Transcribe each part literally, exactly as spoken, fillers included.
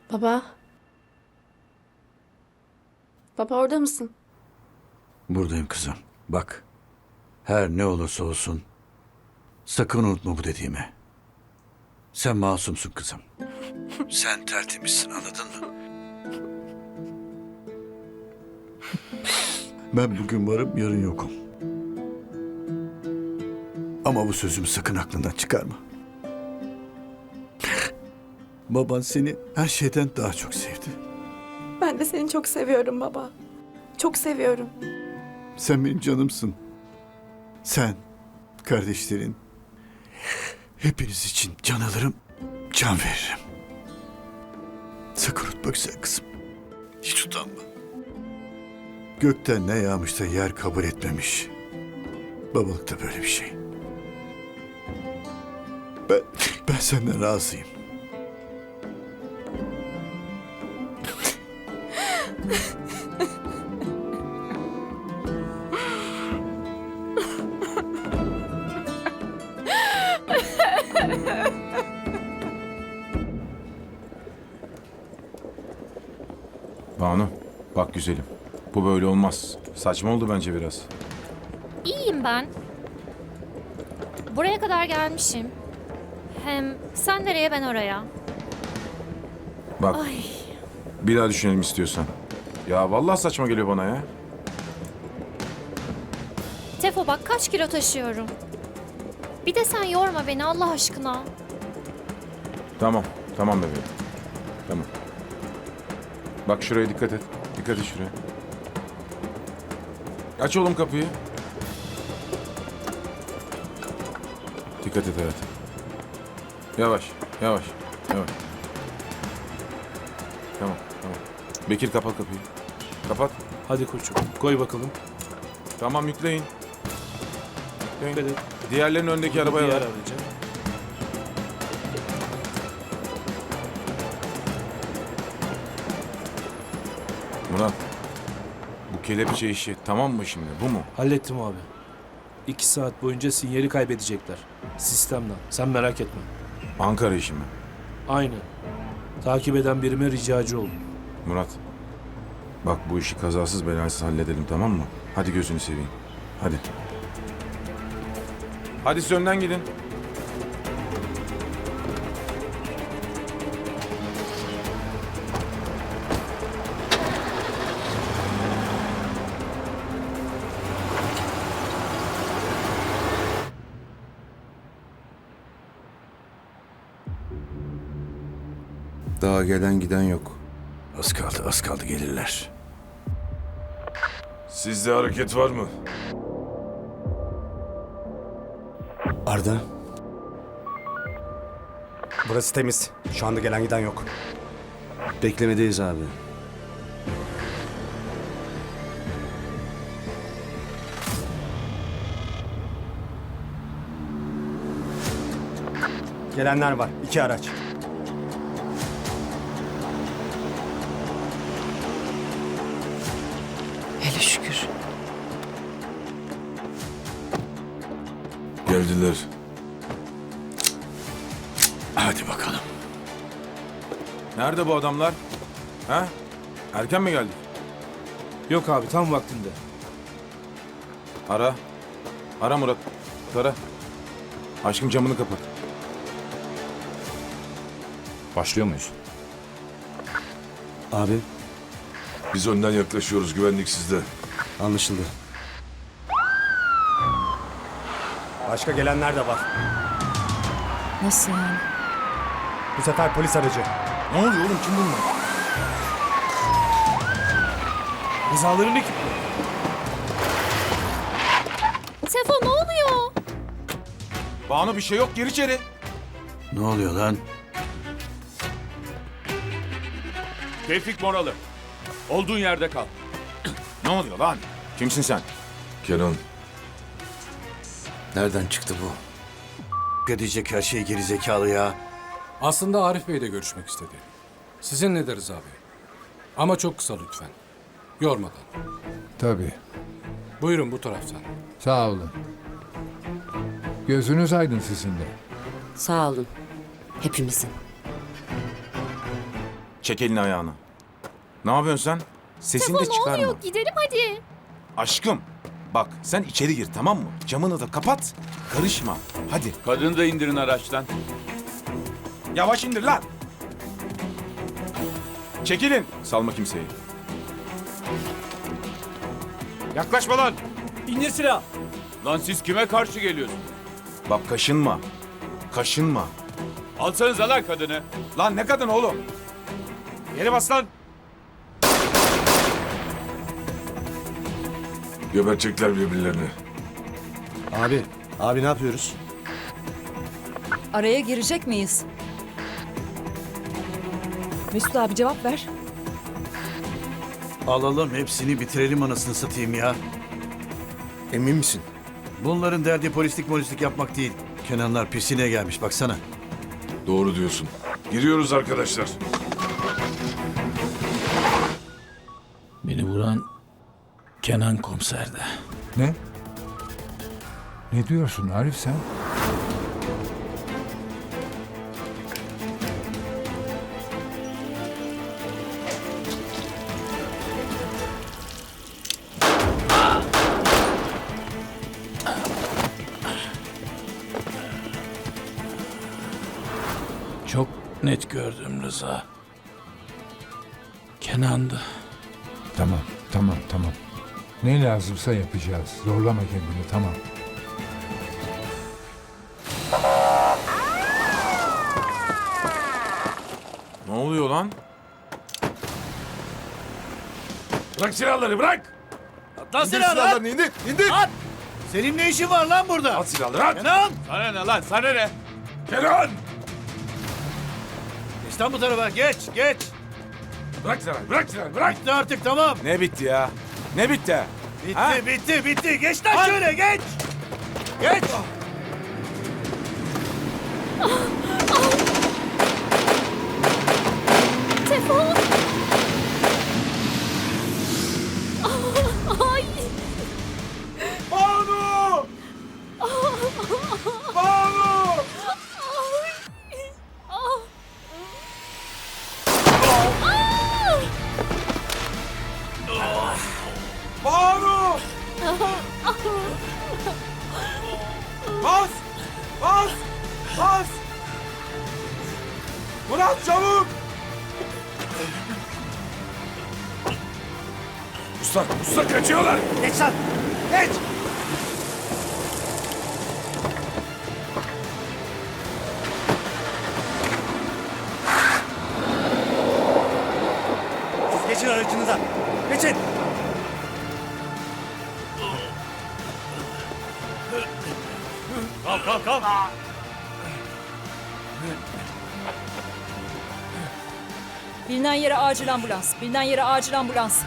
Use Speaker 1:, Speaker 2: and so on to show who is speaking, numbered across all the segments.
Speaker 1: Baba. Baba orada mısın?
Speaker 2: Buradayım kızım. Bak. Her ne olursa olsun sakın unutma bu dediğimi. Sen masumsun kızım. Sen tertemizsin, anladın mı? Ben bugün varım, yarın yokum. Ama bu sözümü sakın aklından çıkarma. Baban seni her şeyden daha çok sevdi.
Speaker 1: Ben de seni çok seviyorum baba. Çok seviyorum.
Speaker 2: Sen benim canımsın. Sen, kardeşlerin, hepiniz için can alırım, can veririm. Sakın unutma güzel kızım. Hiç utanma. Gökten ne yağmış da yer kabul etmemiş. Babalık da böyle bir şey. Ben, ben senden razıyım.
Speaker 3: Banu, bak güzelim. Bu böyle olmaz. Saçma oldu bence biraz.
Speaker 4: İyiyim ben. Buraya kadar gelmişim. Hem sen nereye ben oraya.
Speaker 3: Bak,
Speaker 4: Ay,
Speaker 3: bir daha düşünelim istiyorsan. Ya vallahi saçma geliyor bana ya.
Speaker 4: Tefo bak kaç kilo taşıyorum. Bir de sen yorma beni Allah aşkına.
Speaker 3: Tamam, tamam bebeğim. Tamam. Bak şuraya dikkat et. Dikkat et şuraya. Aç oğlum kapıyı. Dikkat et hayatım. Yavaş, yavaş, yavaş. Tamam, tamam. Bekir kapat kapıyı. Kapat.
Speaker 5: Hadi koçum koy bakalım.
Speaker 3: Tamam yükleyin. Yükleyin.
Speaker 5: Dikkat et.
Speaker 3: Diğerlerinin önündeki arabaya
Speaker 5: Diğer
Speaker 3: ver.
Speaker 5: araca.
Speaker 3: Murat. Bu kelepçe işi tamam mı şimdi? Bu mu?
Speaker 5: Hallettim abi. İki saat boyunca sinyali kaybedecekler. Sistemden. Sen merak etme.
Speaker 3: Ankara işi mi?
Speaker 5: Aynen. Takip eden birime ricacı oldum.
Speaker 3: Murat. Bak bu işi kazasız belasız halledelim tamam mı? Hadi gözünü seveyim. Hadi. Hadi siz önden gidin. Daha gelen giden yok.
Speaker 2: Az kaldı, az kaldı gelirler.
Speaker 6: Sizde hareket var mı?
Speaker 7: Arda. Burası temiz. Şu anda gelen giden yok.
Speaker 2: Beklemedeyiz abi.
Speaker 7: Gelenler var. İki araç.
Speaker 8: Hele şükür.
Speaker 6: Geldiler.
Speaker 2: Hadi bakalım.
Speaker 3: Nerede bu adamlar? Ha? Erken mi geldik?
Speaker 5: Yok abi tam vaktinde.
Speaker 3: Ara. Ara Murat. Ara. Aşkım camını kapat.
Speaker 9: Başlıyor muyuz?
Speaker 7: Abi
Speaker 6: Biz önden yaklaşıyoruz. Güvenlik sizde.
Speaker 7: anlaşıldı. Başka gelenler de var.
Speaker 8: Nasıl yani?
Speaker 7: Bu sefer polis aracı.
Speaker 3: Ne oluyor oğlum? Kim bunlar?
Speaker 5: Rızaların ekibi.
Speaker 4: Tefo ne oluyor?
Speaker 3: Banu bir şey yok. Gir içeri.
Speaker 2: Ne oluyor lan?
Speaker 9: Tevfik Moralı. Olduğun yerde kal.
Speaker 3: Ne oluyor lan? Kimsin sen?
Speaker 6: Kenan.
Speaker 2: Nereden çıktı bu? Edecek her şey geri zekalı ya.
Speaker 10: Aslında Arif Bey de görüşmek istedi. Sizinle de Rıza Bey. Ama çok kısa lütfen. Yormadan.
Speaker 11: Tabii.
Speaker 10: Buyurun bu taraftan.
Speaker 11: Sağ olun. Gözünüz aydın sizin de.
Speaker 8: Sağ olun. Hepimizin.
Speaker 3: Çek elini ayağını. Ne yapıyorsun sen? Sesini
Speaker 4: Tefo
Speaker 3: de
Speaker 4: ne
Speaker 3: çıkarma.
Speaker 4: oluyor? Gidelim hadi.
Speaker 3: Aşkım bak sen içeri gir tamam mı? Camını da kapat. Karışma. Hadi.
Speaker 9: Kadını da indirin araçtan.
Speaker 3: Yavaş indir lan. Çekilin. Salma kimseyi. Yaklaşma lan.
Speaker 5: İndir silah.
Speaker 9: Lan siz kime karşı geliyorsunuz?
Speaker 3: Bak kaşınma. Kaşınma.
Speaker 9: Alsanıza lan kadını.
Speaker 3: Lan ne kadın oğlum? Yere bas lan.
Speaker 6: Gebertecekler birbirlerini.
Speaker 7: Abi, abi ne yapıyoruz?
Speaker 8: Araya girecek miyiz? Mesut abi cevap ver.
Speaker 2: Alalım hepsini bitirelim anasını satayım ya.
Speaker 7: Emin misin?
Speaker 2: Bunların derdi polislik molislik yapmak değil. Kenanlar pisine gelmiş baksana.
Speaker 6: Doğru diyorsun. Giriyoruz arkadaşlar.
Speaker 5: Beni vuran Kenan komiserde.
Speaker 11: Ne? Ne diyorsun Arif sen?
Speaker 5: Çok net gördüm Rıza. Kenan'dı.
Speaker 11: Tamam, tamam, tamam. Ne lazımsa yapacağız. Zorlama kendini, tamam.
Speaker 3: Ne oluyor lan?
Speaker 6: Bırak silahları bırak.
Speaker 2: Lan silahlarını indir, indir. At. Senin ne işin var lan burada?
Speaker 6: At silahları at.
Speaker 2: Kenan!
Speaker 9: Sana ne lan sana ne?
Speaker 6: Kenan.
Speaker 2: Geç lan bu tarafa, geç, geç.
Speaker 6: Bırak silahları bırak silahları bırak.
Speaker 2: Bitti artık tamam.
Speaker 3: Ne bitti ya? Ne bitti?
Speaker 2: Bitti,
Speaker 3: Ha?
Speaker 2: bitti, bitti. Geç lan şöyle, geç. Geç.
Speaker 4: Tefo. Ay.
Speaker 3: Banu! Banu! Banu! Bas! Bas! Bas! Murat çabuk!
Speaker 6: Usta usta kaçıyorlar.
Speaker 2: Geç lan, geç.
Speaker 7: Siz geçin aracınıza. Geçin.
Speaker 9: Kalk kalk kalk.
Speaker 8: Bilinen yere acil ambulans. Bilinen yere acil ambulans.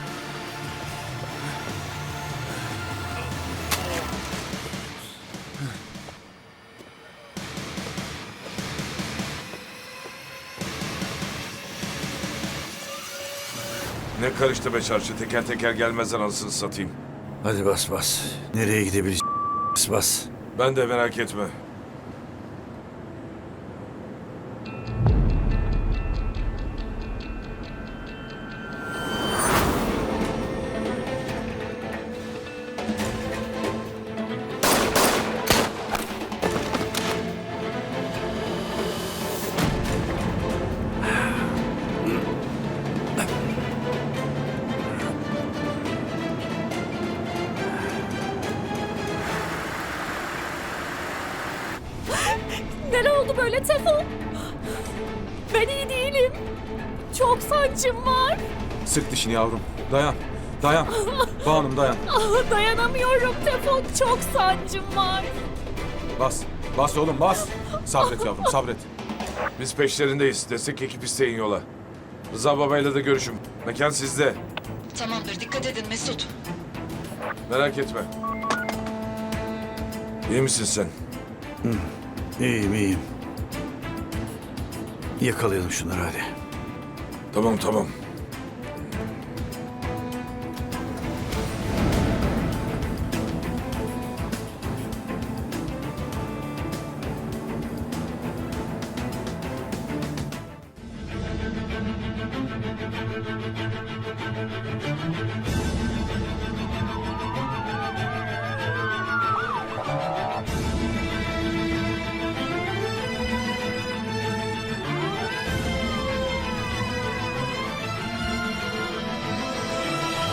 Speaker 6: Ne karıştı be çarşı, teker teker gelmezden anasını satayım.
Speaker 2: Hadi bas bas. Nereye gidebiliriz? Bas bas.
Speaker 6: Ben de merak etme.
Speaker 4: Neler oldu böyle Tefo? Ben iyi değilim. Çok sancım var.
Speaker 3: Sık dişini yavrum. Dayan. Dayan. Banu'm dayan.
Speaker 4: Ah, dayanamıyorum Tefo. Çok sancım var.
Speaker 3: Bas. Bas oğlum bas. Sabret yavrum sabret.
Speaker 6: Biz peşlerindeyiz. Destek ekip isteyin yola. Rıza babayla da görüşün. Mekan sizde.
Speaker 8: Tamamdır dikkat edin Mesut.
Speaker 6: Merak etme. İyi misin sen?
Speaker 2: İyiyim, iyiyim. Yakalayalım şunları hadi.
Speaker 6: Tamam tamam.